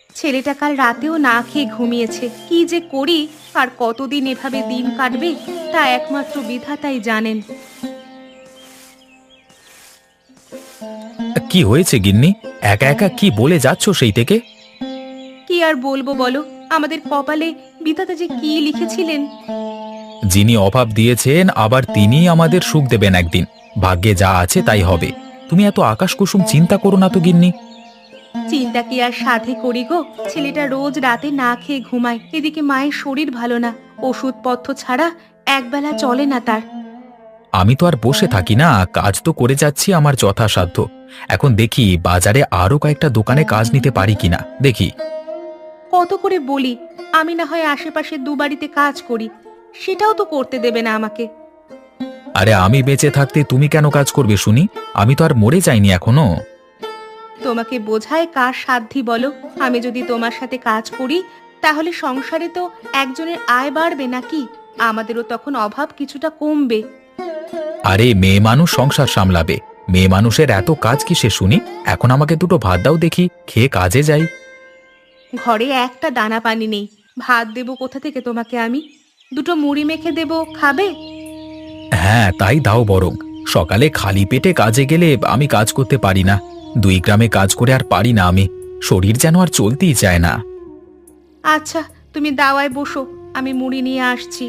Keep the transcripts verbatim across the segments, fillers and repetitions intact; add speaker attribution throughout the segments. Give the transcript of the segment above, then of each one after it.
Speaker 1: ছেলেটা কাল রাতেও না খেয়ে ঘুমিয়েছে। কি যে করি আর কতদিন এভাবে দিন কাটবে তা একমাত্র বিধাতাই জানেন।
Speaker 2: কি হয়েছে গিন্নি? একা একা কি বলে যাচ্ছ সেই থেকে?
Speaker 1: কি আর বলবো বলো, আমাদের কপালে বিধাতা যে কি লিখেছিলেন।
Speaker 2: যিনি অভাব দিয়েছেন আবার তিনিই আমাদের সুখ দেবেন একদিন। ভাগ্যে যা আছে তাই হবে। তুমি এত আকাশ কুসুম চিন্তা করো না তো গিন্নি।
Speaker 1: চিন্তা কি আর সাধে করি গো, ছেলেটা রোজ রাতে না খেয়ে ঘুমায়, এদিকে মায়ের শরীর ভালো না, ওষুধপত্র ছাড়া একবেলা চলে না তার।
Speaker 2: আমি তো আর বসে থাকি না, কাজ তো করে যাচ্ছি আমার যথাসাধ্য। এখন দেখি বাজারে আরো কয়েকটা দোকানে কাজ নিতে পারি কিনা দেখি।
Speaker 1: কত করে বলি, আমি না হয় আশেপাশে দু বাড়িতে কাজ করি, সেটাও তো করতে দেবে না আমাকে।
Speaker 2: আরে আমি বেঁচে থাকতে তুমি কেন কাজ করবে শুনি? আমি তো আর মরে যাইনি এখনো।
Speaker 1: তোমাকে বোঝায় কার সাধ্যি বলো? আমি যদি তোমার সাথে কাজ করি তাহলে সংসারে তো একজনের আয় বাড়বে নাকি? আমাদেরও তখন অভাব কিছুটা কমবে।
Speaker 2: আরে মেয়ে মানুষ সংসার সামলাবে। মেয়ে মানুষের এত কাজ কিসে শুনি? এখন আমাকে দুটো ভাত দাও দেখি, খেয়ে কাজে যাই।
Speaker 1: ঘরে একটা দানা পানি নেই, ভাত দেবো কোথা থেকে তোমাকে আমি? দুটো মুড়ি মেখে দেবো, খাবে?
Speaker 2: হ্যাঁ তাই দাও বরং। সকালে খালি পেটে কাজে গেলে আমি কাজ করতে পারি না। দুই গ্রামে কাজ করে আর পারি না আমি। শরীর যেন আর চলতেই চায় না।
Speaker 1: আচ্ছা, তুমি দাওয়ায় বসো, আমি মুড়ি নিয়ে আসছি।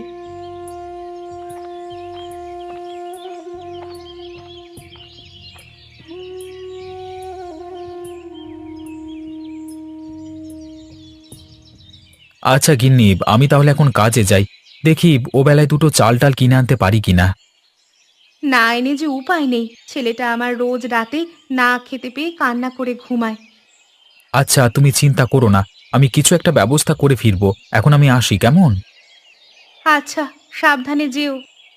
Speaker 2: আচ্ছা গিন্নি, আমি তাহলে এখন কাজে যাই। দেখি ও বেলায় দুটো চাল টাল কিনে আনতে পারি কিনা।
Speaker 1: না এনে যে উপায় নেই, ছেলেটা আমার রোজ রাতে না খেতে পেয়ে কান্না করে ঘুমায়।
Speaker 2: আচ্ছা তুমি চিন্তা করো না, আমি কিছু একটা ব্যবস্থা করে ফিরবো। এখন আমি আসি কেমন?
Speaker 1: আচ্ছা, সাবধানে যেও।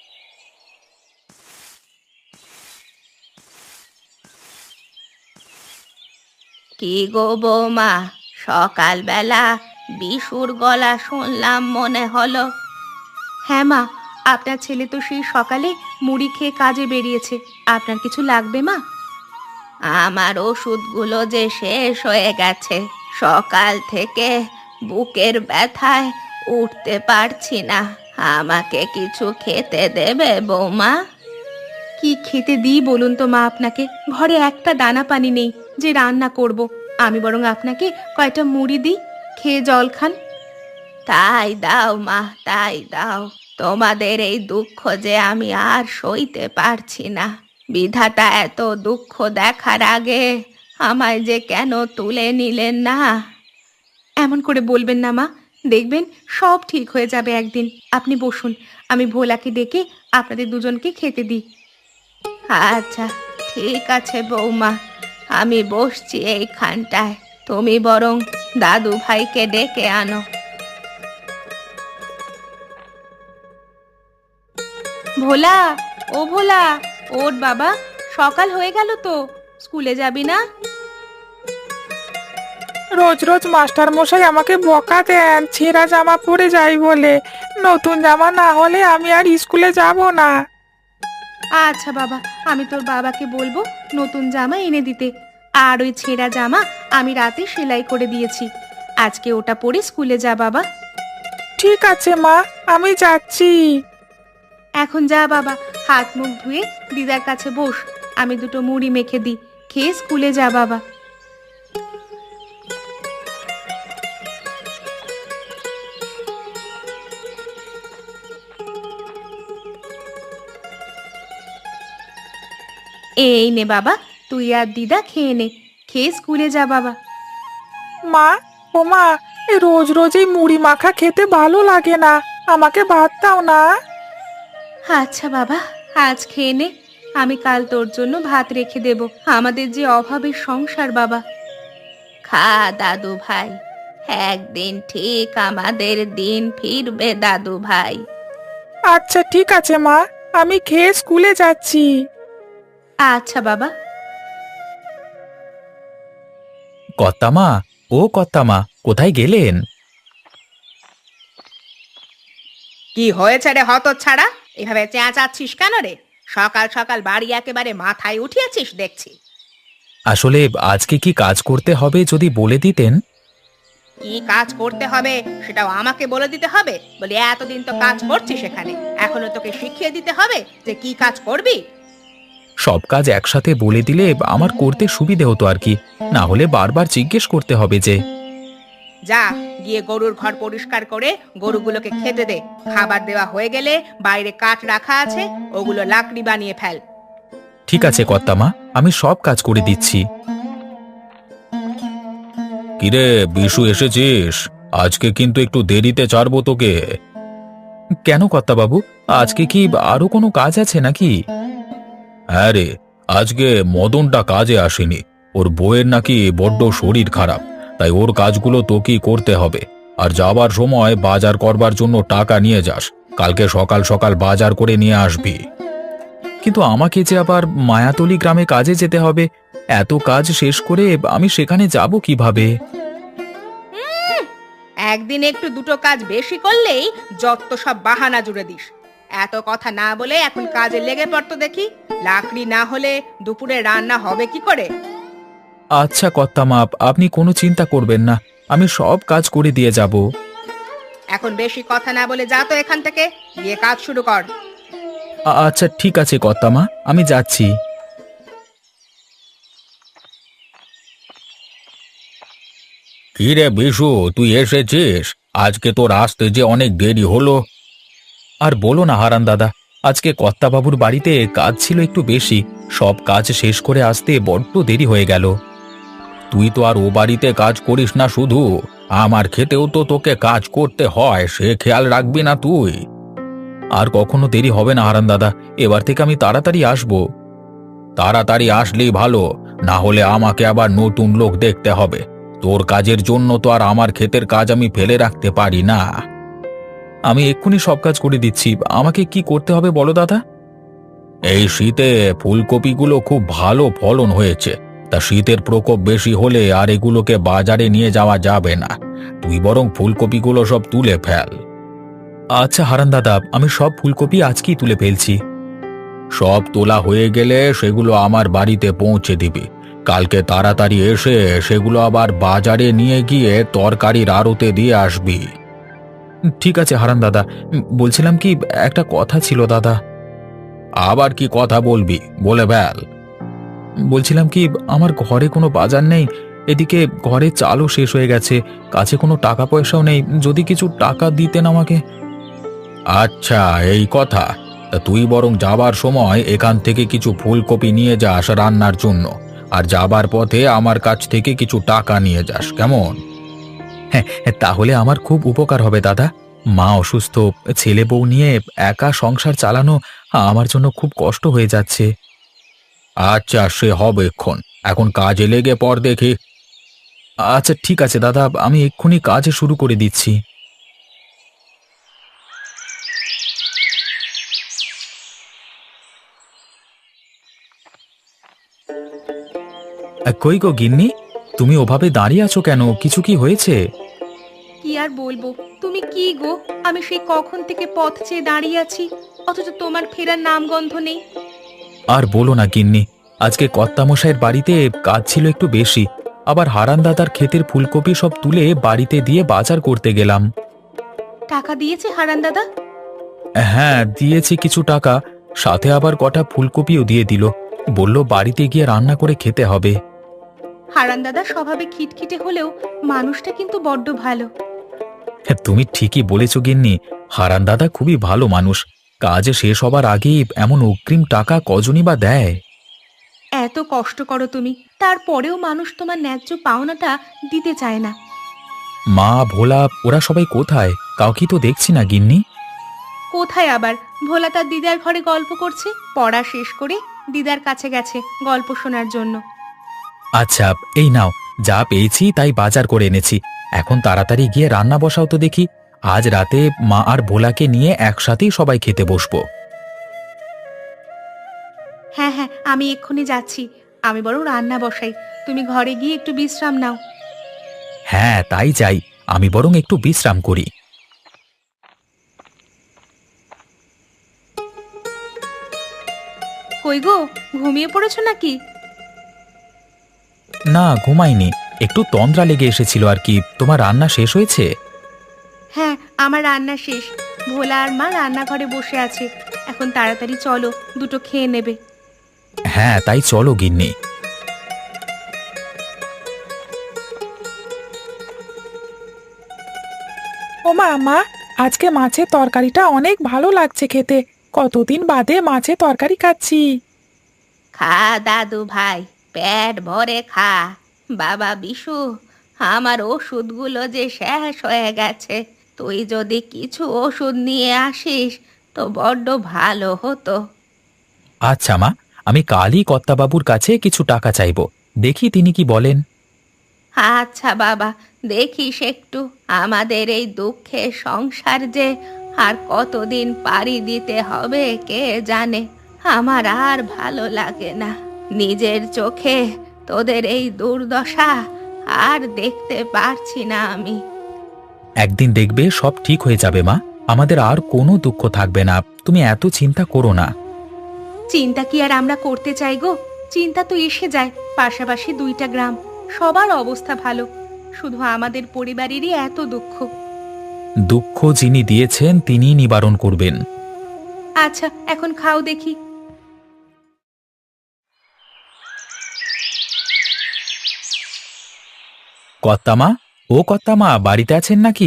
Speaker 1: কি গো বৌমা, সকালবেলা বিশুর গলা শুনলাম মনে হলো। হ্যাঁ মা, আপনার ছেলে তো সেই সকালে মুড়ি খেয়ে কাজে বেরিয়েছে। আপনার কিছু লাগবে মা? আমার ওষুধগুলো যে শেষ হয়ে গেছে, সকাল থেকে বুকের ব্যথায় উঠতে পারছি না। আমাকে কিছু খেতে দেবে বৌমা? কি খেতে দিই বলুন তো মা আপনাকে? ঘরে একটা দানা পানি নেই যে রান্না করব। আমি বরং আপনাকে কয়টা মুড়ি দিই, খেয়ে জল খান। তাই দাও মা, তাই দাও। তোমাদের এই দুঃখ যে আমি আর সইতে পারছি না। বিধাতা এত দুঃখ দেখার আগে আমায় যে কেন তুলে নিলেন না? এমন করে বলবেন না মা, দেখবেন সব ঠিক হয়ে যাবে একদিন। আপনি বসুন, আমি ভোলাকে ডেকে আপনাদের দুজনকে খেতে দিই। আচ্ছা, ঠিক আছে বৌমা, আমি বসছি এইখানটায়। তুমি বরং দাদু ভাইকে ডেকে আনো। ভোলা, ও ভোলা, ওঠ বাবা, সকাল হয়ে গেল তো, স্কুলে যাবি না?
Speaker 3: রোজ রোজ মাস্টার মশাই আমাকে বকা দেন ছেঁড়া জামা পরে যাই বলে। নতুন জামা না হলে আমি আর স্কুলে যাব না।
Speaker 1: আচ্ছা বাবা, আমি তোর বাবাকে বলবো নতুন জামা এনে দিতে। আর ওই ছেঁড়া জামা আমি রাতে সেলাই করে দিয়েছি, আজকে ওটা পরে স্কুলে যা বাবা।
Speaker 3: ঠিক আছে মা, আমি যাচ্ছি।
Speaker 1: এখন যা বাবা, হাত মুখ ধুয়ে দিদার কাছে বস, আমি দুটো মুড়ি মেখে দিই, খেয়ে স্কুলে যা বাবা। এই নে বাবা, তুই আর দিদা খেয়ে নে, খেয়ে স্কুলে যা বাবা।
Speaker 3: মা, ও মা, এই রোজ রোজ এই মুড়ি মাখা খেতে ভালো লাগে না। আমাকে ভাত দাও না।
Speaker 1: আচ্ছা বাবা, আজ খেয়ে নে, আমি কাল তোর জন্য ভাত রেখে দেব। আমাদের যে অভাবের সংসার বাবা। খা দাদু ভাই, একদিন ঠিক আমাদের দিন ফিরবে দাদু ভাই।
Speaker 3: আচ্ছা ঠিক আছে মা, আমি খেয়ে স্কুলে যাচ্ছি।
Speaker 1: আচ্ছা বাবা।
Speaker 2: কর্তামা, ও কর্তামা, কোথায় গেলেন?
Speaker 1: কি হয়েছে রে হতচ্ছাড়া? এভাবে চেঁচাচ্ছিস কেন রে? সকাল সকাল বাড়ি একেবারে মাথায় উঠিয়েছিস দেখছি।
Speaker 2: আসলে আজকে কি কাজ করতে হবে যদি বলে দিতেন।
Speaker 1: কি কাজ করতে হবে সেটাও আমাকে বলে দিতে হবে? বলি এতদিন তো কাজ করছিস সেখানে, এখনো তোকে শিখিয়ে দিতে হবে যে কি কাজ করবি?
Speaker 2: সব কাজ একসাথে বলে দিলে আমার করতে সুবিধে হতো আর কি, না হলে বারবার জিজ্ঞেস করতে হবে যে।
Speaker 1: যা গিয়ে গরুর ঘর পরিষ্কার করে গরুগুলোকে খেতে দে। খাবার দেওয়া হয়ে গেলে বাইরে কাঠ রাখা আছে, ওগুলো লাকড়ি বানিয়ে ফেল।
Speaker 2: ঠিক আছে কর্তামা, আমি সব কাজ করে দিচ্ছি। কিরে বিশু, এসেছিস? আজকে কিন্তু একটু দেরিতে ছাড়বো তোকে। কেন কর্তাবাবু, আজকে কি আরো কোনো কাজ আছে নাকি? হ্যাঁ রে, আজকে মদনটা কাজে আসেনি। ওর বউয়ের নাকি বড্ড শরীর খারাপ, তাই ওর কাজগুলো তোকেই করতে হবে। আর যাবার সময় বাজার করবার জন্য টাকা নিয়ে যাস। কালকে সকাল সকাল বাজার করে নিয়ে আসবি। কিন্তু আমাকে যে আবার মায়াতলি গ্রামে কাজে যেতে হবে, এত কাজ শেষ করে আমি সেখানে যাব কিভাবে?
Speaker 1: একদিন একটু দুটো কাজ বেশি করলেই যত সব বাহানা জুড়ে দিস। এত কথা না বলে এখন কাজে লেগে পড়তো দেখি। লাকড়ি না হলে দুপুরে রান্না হবে কি করে?
Speaker 2: আচ্ছা কর্তামা, আপনি কোনো চিন্তা করবেন না, আমি সব কাজ করে দিয়ে যাব।
Speaker 1: এখন বেশি কথা না বলে যা তো এখান থেকে, গিয়ে কাজ শুরু কর।
Speaker 2: আ- আচ্ছা ঠিক আছে কর্তামা, আমি যাচ্ছি। কি রে বিশু, তুই এসেছিস? আজকে তোর আসতে যে অনেক দেরি হলো। আর বলো না হারান দাদা, আজকে কর্তাবাবুর বাড়িতে কাজ ছিল একটু বেশি, সব কাজ শেষ করে আসতে বড্ড দেরি হয়ে গেল। তুই তো আর ও বাড়িতে কাজ করিস না শুধু, আমার খেতেও তো তোকে কাজ করতে হয়, সে খেয়াল রাখবি না তুই? আর কখনো দেরি হবে না হারান দাদা, এবার থেকে আমি তাড়াতাড়ি আসবো। তাড়াতাড়ি আসলেই ভালো, না হলে আমাকে আবার নতুন লোক দেখতে হবে। তোর কাজের জন্য তো আর আমার ক্ষেতের কাজ আমি ফেলে রাখতে পারি না। আমি এক্ষুনি সব কাজ করে দিচ্ছি, আমাকে কি করতে হবে বলো দাদা? এই শীতে ফুলকপিগুলো খুব ভালো ফলন হয়েছে, তা শীতের প্রকোপ বেশি হলে আর এগুলোকে বাজারে নিয়ে যাওয়া যাবে না। তুই বরং ফুলকপিগুলো সব তুলে ফেল। আচ্ছা হারান দাদা, আমি সব ফুলকপি আজকেই তুলে ফেলছি। সব তোলা হয়ে গেলে সেগুলো আমার বাড়িতে পৌঁছে দিবি। কালকে তাড়াতাড়ি এসে সেগুলো আবার বাজারে নিয়ে গিয়ে তরকারির আড়তে দিয়ে আসবি। ঠিক আছে হারান দাদা, বলছিলাম কি, একটা কথা ছিল দাদা। আবার কি কথা বলবি, বলে ফেল। বলছিলাম কি, আমার ঘরে কোনো বাজার নেই, এদিকে ঘরে চালও শেষ হয়ে গেছে, কাছে কোনো টাকা পয়সাও নেই, যদি কিছু টাকা দিতেন আমাকে। আচ্ছা এই কথা, তা তুই বরং যাবার সময় এখান থেকে কিছু ফুলকপি নিয়ে যাস রান্নার জন্য, আর যাবার পথে আমার কাছ থেকে কিছু টাকা নিয়ে যাস, কেমন? হ্যাঁ, তাহলে আমার খুব উপকার হবে দাদা। মা অসুস্থ, ছেলে বউ নিয়ে একা সংসার চালানো আমার জন্য খুব কষ্ট হয়ে যাচ্ছে। আচ্ছা সে হবে এক্ষণ, এখন কাজে লেগে পড় দেখি। আচ্ছা ঠিক আছে দাদা, আমি এক্ষুনি কাজ শুরু করে দিচ্ছি। আহ, কই গো গিন্নি, তুমি ওভাবে দাঁড়িয়ে আছো কেন, কিছু কি হয়েছে?
Speaker 1: কি আর বলবো, তুমি কি গো, আমি সেই কখন থেকে পথ চেয়ে দাঁড়িয়ে আছি, অথচ তোমার ফেরার নামগন্ধ নেই।
Speaker 2: আর বলো না গিন্নি, আজকে কর্তামশাইয়ের বাড়িতে কাজ ছিল একটু বেশি, আবার হারান দাদার ক্ষেতের ফুলকপি সব তুলে বাড়িতে দিয়ে বাজার করতে গেলাম।
Speaker 1: টাকা দিয়েছে হারান দাদা?
Speaker 2: হ্যাঁ দিয়েছি কিছু টাকা, সাথে আবার কটা ফুলকপিও দিয়ে দিল, বলল বাড়িতে গিয়ে রান্না করে খেতে হবে।
Speaker 1: হারান দাদা স্বভাবে খিটখিটে হলেও মানুষটা কিন্তু বড্ড ভালো।
Speaker 2: হ্যাঁ, তুমি ঠিকই বলেছ গিন্নি, হারান দাদা খুবই ভালো মানুষ, কাজ শেষ হবার আগেই এমন অগ্রিম টাকা কজনই বা দেয়।
Speaker 1: এত কষ্ট করো তুমি, তারপরেও মানুষ তোমার ন্যায্য পাওনাটা দিতে চায় না।
Speaker 2: মা ভোলা ওরা সবাই কোথায়, কাউকে তো দেখছি না গিন্নি।
Speaker 1: কোথায় আবার, ভোলা তার দিদার ঘরে গল্প করছে, পড়া শেষ করে দিদার কাছে গেছে গল্প শোনার জন্য।
Speaker 2: আচ্ছা এই নাও, যা পেয়েছি তাই বাজার করে এনেছি, এখন তাড়াতাড়ি গিয়ে রান্না বসাও তো দেখি, আজ রাতে মা আর ভোলাকে নিয়ে একসাথেই সবাই খেতে বসবো।
Speaker 1: হ্যাঁ হ্যাঁ, আমি এক্ষুনি যাচ্ছি, আমি বরং রান্না বসাই, তুমি ঘরে গিয়ে একটু বিশ্রাম নাও।
Speaker 2: হ্যাঁ তাই চাই, আমি বরং একটু বিশ্রাম করি।
Speaker 1: কই গো, ঘুমিয়ে পড়েছো নাকি?
Speaker 2: না ঘুমাইনি, একটু তন্দ্রা লেগে এসেছিল আর কি। তোমার রান্না শেষ হয়েছে?
Speaker 1: হ্যাঁ, আমার রান্না শেষ। ভোলা আর মা রান্নাঘরে বসে আছে। এখন তাড়াতাড়ি চলো, দুটো খেয়ে নেবে।
Speaker 2: হ্যাঁ, তাই চলো গিন্নি।
Speaker 3: ও মা, মা, আজকে মাছের তরকারিটা অনেক ভালো লাগছে খেতে। কতদিন বাদে মাছের তরকারি খাচ্ছি।
Speaker 1: খা দাদু ভাই, পেট ভরে খা। বাবা বিশু, আমার ওষুধগুলো যে শেষ হয়ে গেছে, তুই যদি কিছু ওষুধ নিয়ে আসিস তো বড্ড ভালো হতো।
Speaker 2: আচ্ছা মা, আমি কালই কর্তাবাবুর কাছে কিছু টাকা চাইবো, দেখি তিনি কি বলেন।
Speaker 1: আচ্ছা বাবা, দেখিস একটু। আমাদের এই দুঃখের সংসার যে আর কতদিন পাড়ি দিতে হবে কে জানে। আমার আর ভালো লাগে না, নিজের চোখে তোদের এই দুর্দশা আর দেখতে পারছি না আমি।
Speaker 2: একদিন দেখবে সব ঠিক হয়ে যাবে মা, আমাদের আর কোনো দুঃখ থাকবে না, তুমি এত চিন্তা করো না।
Speaker 1: চিন্তা কি আর আমরা করতে চাই গো? চিন্তা তো এসে যায়। পাশাপাশি দুইটা গ্রাম, সবার অবস্থা ভালো, শুধু আমাদের পরিবারেরই এত দুঃখ।
Speaker 2: দুঃখ যিনি দিয়েছেন তিনি নিবারণ করবেন।
Speaker 1: আচ্ছা, এখন খাও দেখি।
Speaker 2: কর্তামা, ও কর্তামা, বাড়িতে আছেন নাকি?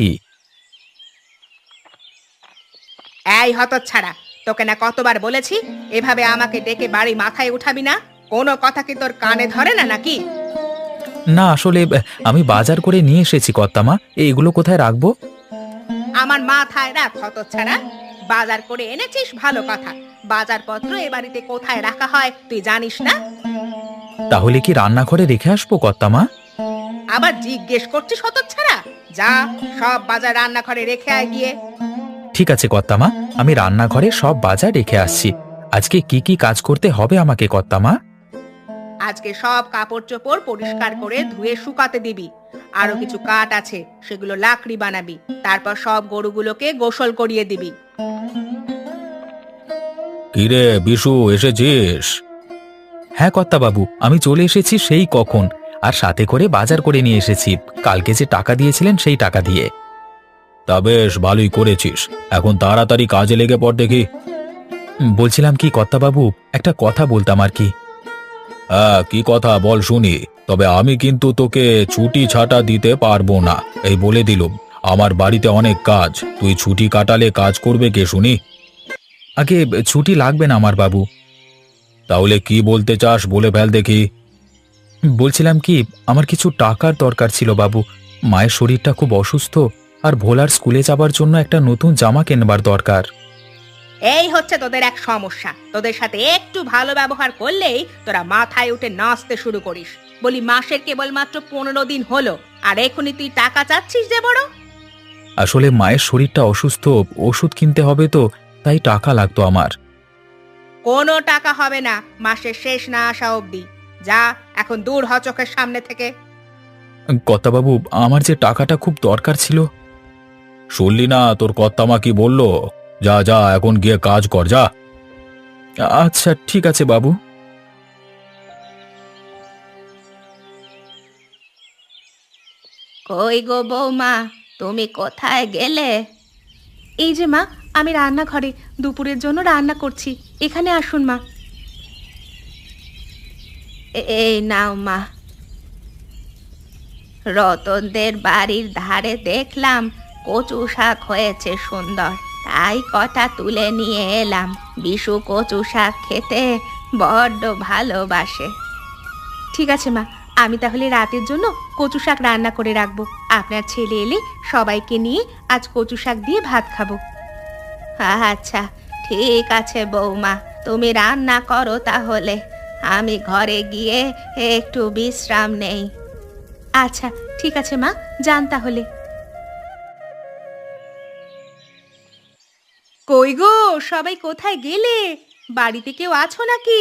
Speaker 1: এই হতচ্ছাড়া, তোকে না কতবার বলেছি এভাবে আমাকে ডেকে বাড়ি মাথায় উঠাবি না? কোনো কথা কি তোর কানে ধরে না নাকি?
Speaker 2: না, আসলে আহ, আমি বাজার করে নিয়ে এসেছি কর্তামা, এগুলো কোথায় রাখবো?
Speaker 1: আমার মাথায় রাখ হতচ্ছাড়া। বাজার করে এনেছিস ভালো কথা, বাজারপত্র এ বাড়িতে কোথায় রাখা হয় তুই জানিস না?
Speaker 2: তাহলে কি রান্নাঘরে রেখে আসবো কর্তামা?
Speaker 1: আবার জিজ্ঞেস করছিস হতচ্ছাড়া? যা, সব বাজার রান্নাঘরে রেখে আয় গিয়ে।
Speaker 2: ঠিক আছে কর্তামা, আমি রান্নাঘরে সব বাজার রেখে আসছি। আজকে কি কি কাজ করতে হবে আমাকে কর্তামা?
Speaker 1: আজকে সব কাপড় চোপড় পরিষ্কার করে ধুয়ে শুকাতে দিবি। আরো কিছু কাঠ আছে, সেগুলো লাকড়ি বানাবি। তারপর সব গরুগুলোকে গোসল করিয়ে দিবি।
Speaker 2: কিরে বিশু, এসেছিস? হ্যাঁ কর্তাবাবু, আমি চলে এসেছি সেই কখন, আর সাথে করে বাজার করে নিয়ে এসেছি, কালকে যে টাকা দিয়েছিলেন সেই টাকা দিয়ে। তা বেশ ভালোই করেছিস, এখন তাড়াতাড়ি কাজে লেগে পড় দেখি। বলছিলাম কি কর্তাবাবু, একটা কথা বলতাম আর কি। হ্যাঁ, কি কথা বল শুনি। তবে আমি কিন্তু তোকে ছুটি ছাটা দিতে পারবো না, এই বলে দিলুম। আমার বাড়িতে অনেক কাজ, তুই ছুটি কাটালে কাজ করবে কে শুনি? আগে ছুটি লাগবে না আমার বাবু। তাহলে কি বলতে চাস বলে ফেল দেখি। বলছিলাম কি, আমার কিছু টাকার দরকার ছিল বাবু। মায়ের শরীরটা খুব অসুস্থ, আর ভোলার স্কুলে যাবার জন্য একটা নতুন জামা কেনবার দরকার।
Speaker 1: এই হচ্ছে তোদের এক সমস্যা। তোদের সাথে একটু ভালো ব্যবহার করলেই তোরা মাথায় উঠে নাচতে শুরু করিস। বলি মাসের কেবলমাত্র পনেরো দিন হলো, আর এখনই তুই টাকা চাচ্ছিস যে বড়?
Speaker 2: আসলে মায়ের শরীরটা অসুস্থ, ওষুধ কিনতে হবে তো, তাই টাকা লাগতো আমার।
Speaker 1: কোনো টাকা হবে না মাসের শেষ না আসা অবধি। যা, এখন দূর হ চোখের সামনে থেকে।
Speaker 2: কর্তাবাবু, আমার যে টাকাটা খুব দরকার ছিল। শুনলি না তোর কর্তামা কি বলল? যা যা, এখন গিয়ে কাজ কর, যা। আচ্ছা ঠিক আছে বাবু।
Speaker 1: কই গো বৌমা, তুমি কোথায় গেলে? এই যে মা, আমি রান্নাঘরে দুপুরের জন্য রান্না করছি, এখানে আসুন মা। এ- এই নাও মা। রতনদের বাড়ির ধারে দেখলাম কচু শাক হয়েছে সুন্দর, তাই কটা তুলে নিয়ে এলাম। বিশু কচু শাক খেতে বড্ড ভালোবাসে। ঠিক আছে মা, আমি তাহলে রাতের জন্য কচু শাক রান্না করে রাখবো। আপনার ছেলে এলে সবাইকে নিয়ে আজ কচু শাক দিয়ে ভাত খাবো। আচ্ছা ঠিক আছে বৌমা, তুমি রান্না করো তাহলে, আমি ঘরে গিয়ে একটু বিশ্রাম নেই। আচ্ছা ঠিক আছে মা, যান তাহলে। কই গো, সবাই কোথায় গেলে? বাড়িতে কেউ আছো নাকি?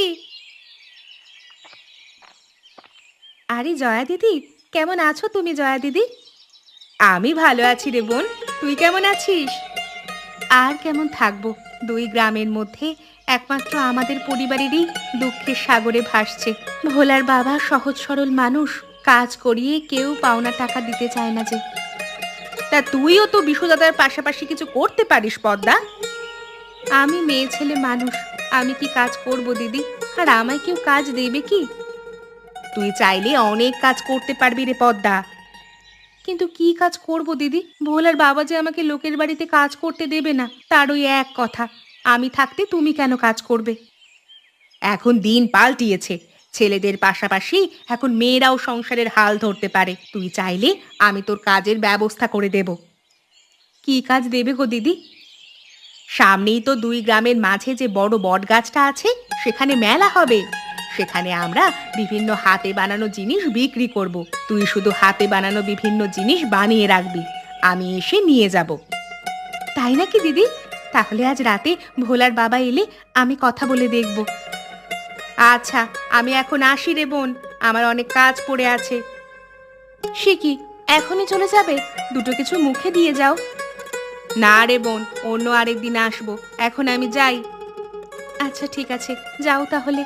Speaker 1: আরে জয়া দিদি, কেমন আছো তুমি জয়া দিদি? আমি ভালো আছি রে বোন, তুই কেমন আছিস? আর কেমন থাকবো, দুই গ্রামের মধ্যে একমাত্র আমাদের পরিবারেরই দুঃখের সাগরে ভাসছে। ভোলার বাবা সহজ সরল মানুষ, কাজ করিয়ে কেউ পাওনা টাকা দিতে চায় না যে। তা তুইও তো বিশু দাদার পাশাপাশি কিছু করতে পারিস পদ্মা। আমি মেয়ে ছেলে মানুষ, আমি কি কাজ করব দিদি? আর আমায় কেউ কাজ দেবে কি? তুই চাইলে অনেক কাজ করতে পারবি রে পদ্মা। কিন্তু কি কাজ করব দিদি? ভোলার বাবা যে আমাকে লোকের বাড়িতে কাজ করতে দেবে না, তার ওই এক কথা, আমি থাকতে তুমি কেন কাজ করবে? এখন দিন পাল্টিয়েছে, ছেলেদের পাশাপাশি এখন মেয়েরাও সংসারের হাল ধরতে পারে। তুই চাইলে আমি তোর কাজের ব্যবস্থা করে দেব। কি কাজ দেবে গো দিদি? সামনেই তো দুই গ্রামের মাঝে যে বড় বট গাছটা আছে, সেখানে মেলা হবে। সেখানে আমরা বিভিন্ন হাতে বানানো জিনিস বিক্রি করব। তুই শুধু হাতে বানানো বিভিন্ন জিনিস বানিয়ে রাখবি, আমি এসে নিয়ে যাব। তাই নাকি দিদি? তাহলে আজ রাতে ভোলার বাবা এলে আমি কথা বলে দেখব। আচ্ছা, আমি এখন আসি রে বোন, আমার অনেক কাজ পড়ে আছে। সে কি, এখনই চলে যাবে? দুটো কিছু মুখে দিয়ে যাও। না রে বোন, অন্য আরেকদিন আসবো, এখন আমি যাই। আচ্ছা ঠিক আছে, যাও তাহলে।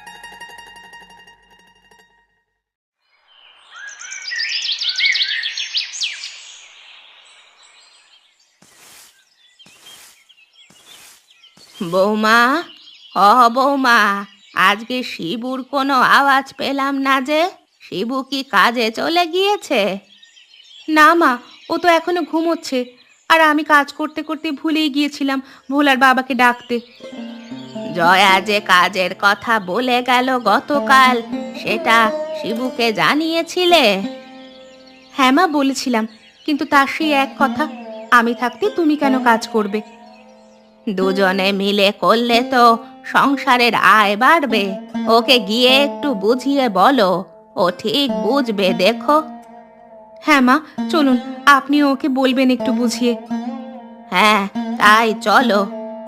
Speaker 1: বৌমা, ও বৌমা, আজকে শিবুর কোনো আওয়াজ পেলাম না যে। শিবু কি কাজে চলে গিয়েছে? না মা, ও তো এখনো ঘুমোচ্ছে। আর আমি কাজ করতে করতে ভুলেই গিয়েছিলাম ভোলার বাবাকে ডাকতে। জয়া যে কাজের কথা বলে গেল গতকাল, সেটা শিবুকে জানিয়েছিলে? হ্যাঁ মা, বলেছিলাম, কিন্তু তার সেই এক কথা, আমি থাকতে তুমি কেন কাজ করবে? দুজনে মিলে করলে তো সংসারের আয় বাড়বে। ওকে গিয়ে একটু বুঝিয়ে বলো, ও ঠিক বুঝবে দেখো। হ্যাঁ মা, চলুন, আপনি ওকে বলবেন একটু বুঝিয়ে। হ্যাঁ, তাই চলো।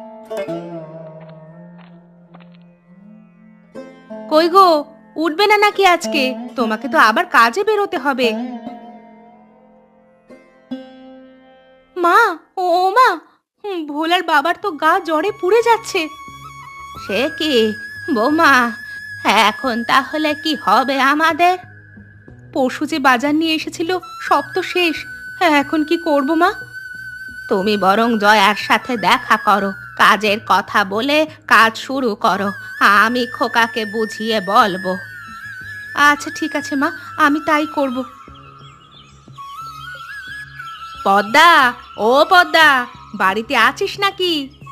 Speaker 1: কই গো, উঠবে না নাকি আজকে? তোমাকে তো আবার কাজে বেরোতে হবে। মা, ও মা, হুম, ভোলার বাবার তো গা জ্বরে পুড়ে যাচ্ছে। সে কি বৌমা, এখন তাহলে কি হবে আমাদের? পরশু যে বাজার নিয়ে এসেছিল, সব তো শেষ। হ্যাঁ, এখন কি করব মা? তুমি বরং জয়ার সাথে দেখা করো, কাজের কথা বলে কাজ শুরু করো, আমি খোকাকে বুঝিয়ে বলবো। আচ্ছা ঠিক আছে মা, আমি তাই করব। পদ্মা, ও পদ্মা, বাড়িতে আছিস নাকি?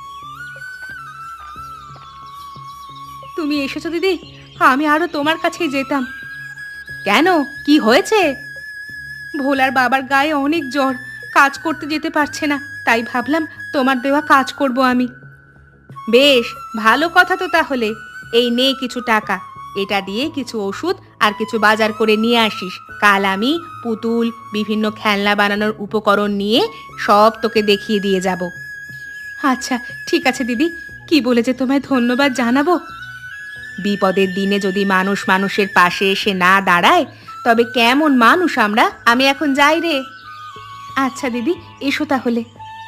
Speaker 1: তুমি এসেছো দিদি, আমি আরো তোমার কাছেই যেতাম। কেন, কি হয়েছে? ভোলার বাবার গায়ে অনেক জ্বর, কাজ করতে যেতে পারছে না, তাই ভাবলাম তোমার দেওয়া কাজ করব আমি। বেশ ভালো কথা তো তাহলে। এই নে কিছু টাকা, এটা দিয়ে কিছু ওষুধ আর কিছু বাজার করে নিয়ে আসিস। কাল আমি পুতুল, বিভিন্ন খেলনা বানানোর উপকরণ নিয়ে সব তোকে দেখিয়ে দিয়ে যাব। আচ্ছা ঠিক আছে দিদি, কি বলে যে তোমায় ধন্যবাদ জানাবো। বিপদের দিনে যদি মানুষ মানুষের পাশে এসে না দাঁড়ায়, তবে কেমন মানুষ আমরা। আমি এখন যাই রে। আচ্ছা দিদি, এসো তাহলে।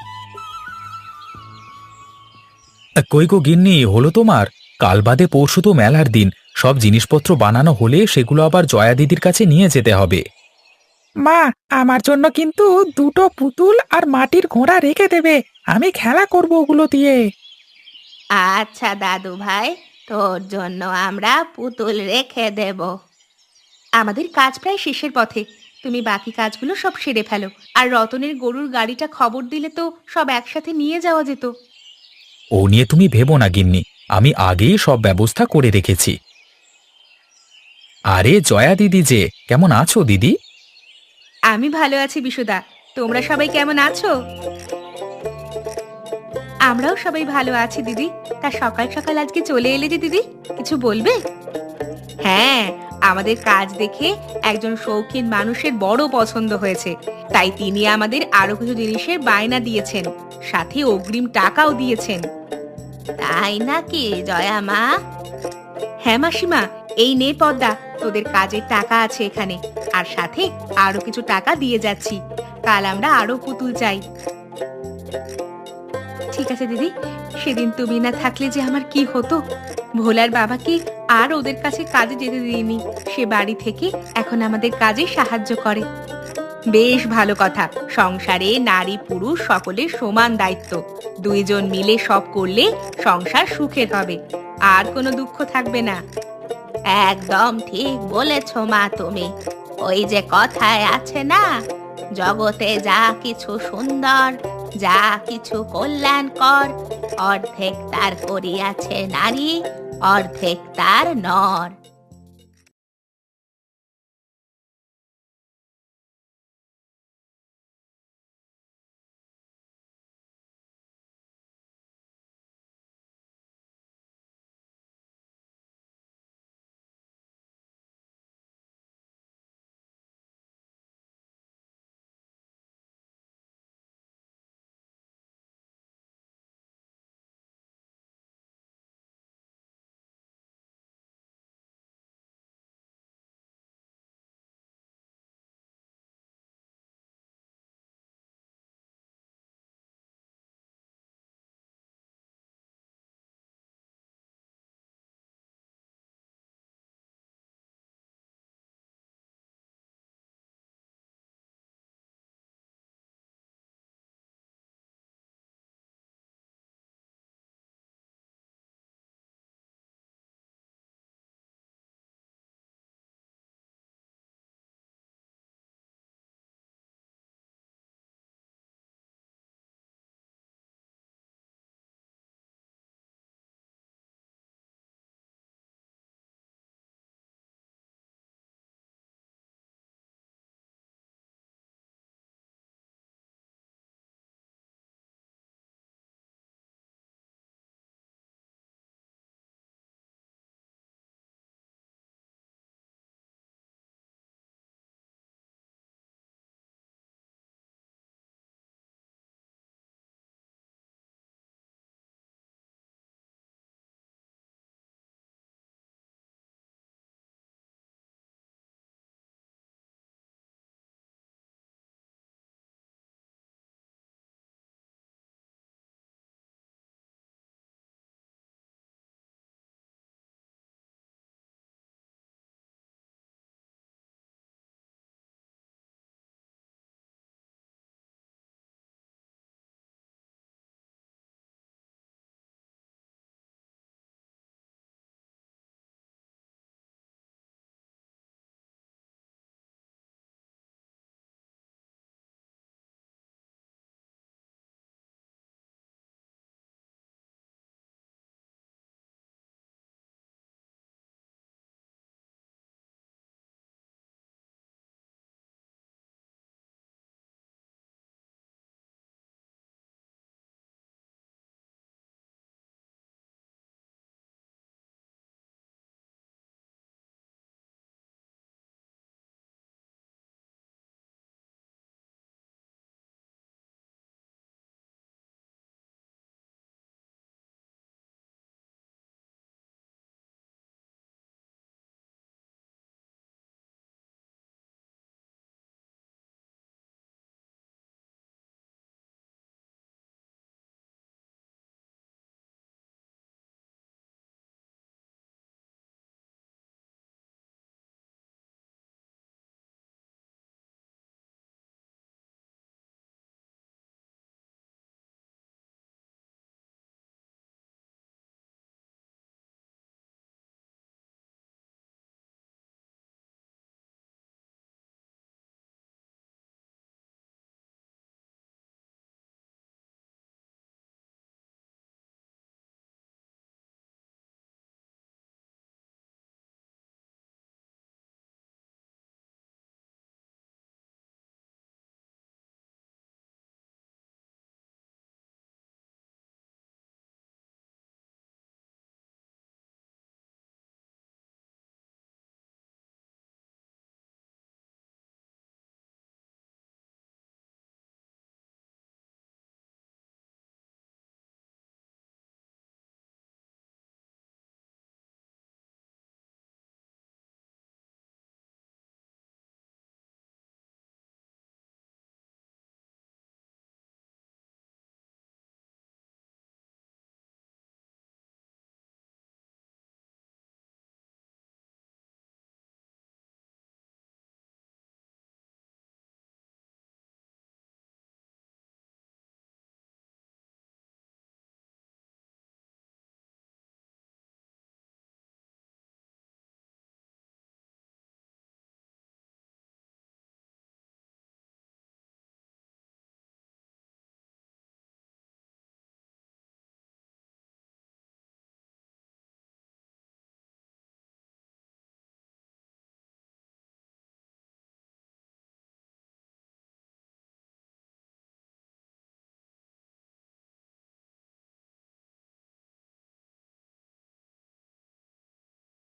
Speaker 2: কই গো গিন্নি, হলো তোমার? কাল বাদে পরশু তো মেলার দিন, সব জিনিসপত্র বানানো হলে সেগুলো আবার জয়া দিদির কাছে নিয়ে যেতে হবে।
Speaker 3: মা, আমার জন্য কিন্তু দুটো পুতুল আর মাটির ঘোড়া রেখে দেবে, আমি খেলা করব ওগুলো দিয়ে।
Speaker 1: আচ্ছা দাদু ভাই, তোর জন্য আমরা পুতুল রেখে দেব। আমাদের কাজ প্রায় শেষের পথে, তুমি বাকি কাজগুলো সব সেরে ফেলো। আর রতনের গরুর গাড়িটা খবর দিলে তো সব একসাথে নিয়ে যাওয়া যেত।
Speaker 2: ও নিয়ে তুমি ভেবো না গিন্নি, আমি আগেই সব ব্যবস্থা করে রেখেছি। আরে জয়া দিদি যে, কেমন আছো দিদি?
Speaker 1: আমি ভালো আছি বিশুদা, তোমরা সবাই কেমন আছো? আমরাও সবাই ভালো আছি দিদি। তা সকাল সকাল আজকে চলে এলে যে দিদি, কিছু বলবে? হ্যাঁ, আমাদের কাজ দেখে একজন শৌখিন মানুষের বড় পছন্দ হয়েছে, তাই তিনি আমাদের আরো কিছু জিনিসের বায়না দিয়েছেন, সাথে অগ্রিম টাকাও দিয়েছেন। তাই নাকি জয়া মা? হ্যাঁ মাসিমা, এই নে পদ্মা, তোদের কাজের টাকা আছে এখানে, আর সাথে আরো কিছু টাকা দিয়ে যাচ্ছি। কাল আমরা আরো পুতুল চাই। ঠিক আছে দিদি, সেদিন তুমি না থাকলে যে আমার কি হতো। ভোলার বাবাকে আর ওদের কাছে কাজে যেতে দিইনি। সে বাড়ি থেকে এখন আমাদের কাজে সাহায্য করে। বেশ ভালো কথা। সংসারে নারী পুরুষ সকলের সমান দায়িত্ব। দুইজন মিলে সব করলে সংসার সুখের হবে, আর কোনো দুঃখ থাকবে না। একদম ঠিক বলেছ মা তুমি। ওই যে কথায় আছে না, জগতে যা কিছু সুন্দর, যা কিছু কল্যাণকর, অর্ধেক তার করিয়াছে নারী, অর্ধেক তার নর।